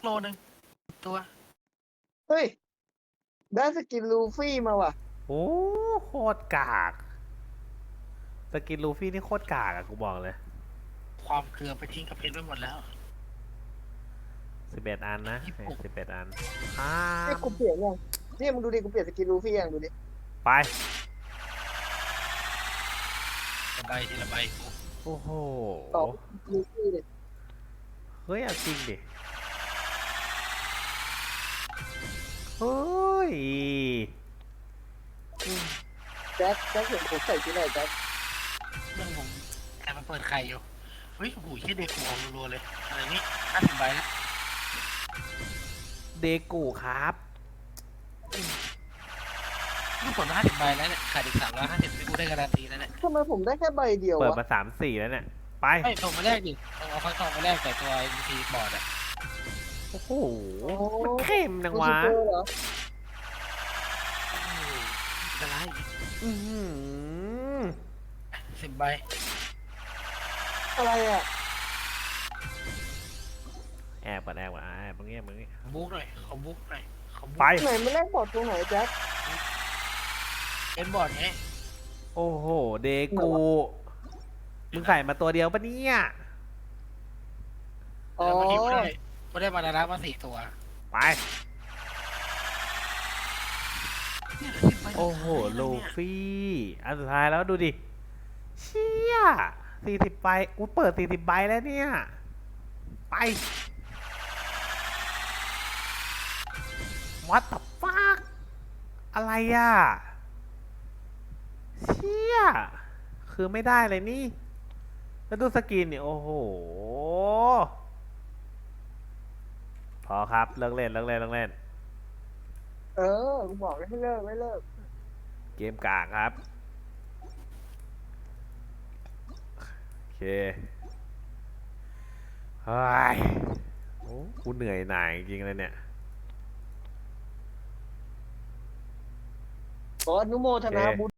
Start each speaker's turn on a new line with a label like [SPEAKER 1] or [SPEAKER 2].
[SPEAKER 1] โลนึงตัว
[SPEAKER 2] เฮ้ยได้สกินลูฟี่มาว่ะ
[SPEAKER 3] โอ้โคตรกากสกินลูฟี่นี่โคตรกากอะกูบอกเลย
[SPEAKER 1] ความเกลือไปทิ้งกับเพชรไว้หมดแล้ว
[SPEAKER 3] 11 อันนะ11 อันอ้า
[SPEAKER 2] ไอ้กูเปลี่ยนยังนี่มึงดูดิกูเปลี่ยนสกินลูฟี่ยังดูดิ
[SPEAKER 3] ไป
[SPEAKER 1] ทีละใบทีละใบกู
[SPEAKER 3] โอ้โห
[SPEAKER 2] ต่อลูฟี่เลย
[SPEAKER 3] เฮ้ยเอาจริงดิเฮ้ย
[SPEAKER 2] แจ็คเห็นผมใส่ที่ไหนแจ็ค
[SPEAKER 1] เรื่องผมแอบมาเปิดไข่อยู่เฮ้ยโอ้โหแค่เด็กกูออกรัวๆเลยอะไรนี่50 ใบแล้ว
[SPEAKER 3] เดกูครับ
[SPEAKER 1] ลูกผล50 ใบแล้วเนี่ยขาดอีก350ที่กูได้การันตีแล้วเนี่ย
[SPEAKER 2] ทำไมผมได้แค่ใบเดียว
[SPEAKER 3] เปิด
[SPEAKER 2] วะ
[SPEAKER 3] มา3-4แล้วเนี่ยไป
[SPEAKER 1] ไม่ส่งมาแรกดิเอาฟักทองมาแรกแต่ตัว MVP บอร์ดอะ
[SPEAKER 3] โอ้โหมันเข้มจังวะ
[SPEAKER 2] ซูเปอร์เหรอ
[SPEAKER 1] โอ้โหอะไร
[SPEAKER 3] อื้อหือ
[SPEAKER 1] 10 ใบ
[SPEAKER 2] อะไรอ่ะ
[SPEAKER 3] แอบก่อนแอบมึงเงี้ย
[SPEAKER 1] บุ๊กหน่อยขอบุ๊กหน่อยขอบุ๊ก
[SPEAKER 3] ไป
[SPEAKER 2] ไหนมันแรกบอร์ดตรงไหนแจ็ค
[SPEAKER 1] เป็นบอร์ดไง
[SPEAKER 3] โอ้โหเดกูมึงใส่มาตัวเดียวปะเนี่ย
[SPEAKER 2] อ๋อ
[SPEAKER 1] แล้วเมื่อกี้กูได้มาดารามา4 ตัว
[SPEAKER 3] ไป
[SPEAKER 1] เนี่ย10 ใบ
[SPEAKER 3] โอ้โหลูฟี่อันสุดท้ายแล้วดูดิเชี่ย40 ใบกูเปิด40 ใบแล้วเนี่ยไป What the fuck อะไรอ่ะเชี่ยคือไม่ได้เลยนี่แล้วดูสกินเนี่ยโอ้โหพอครับเลิกเล่น
[SPEAKER 2] เออกูบอกให้เลิกไม่เลิก
[SPEAKER 3] เกมกากครับโอเคเฮ้ยโอ้กูเหนื่อยหน่ายจริงๆเลยเนี่ย
[SPEAKER 2] ขออนุโมทนาบุญ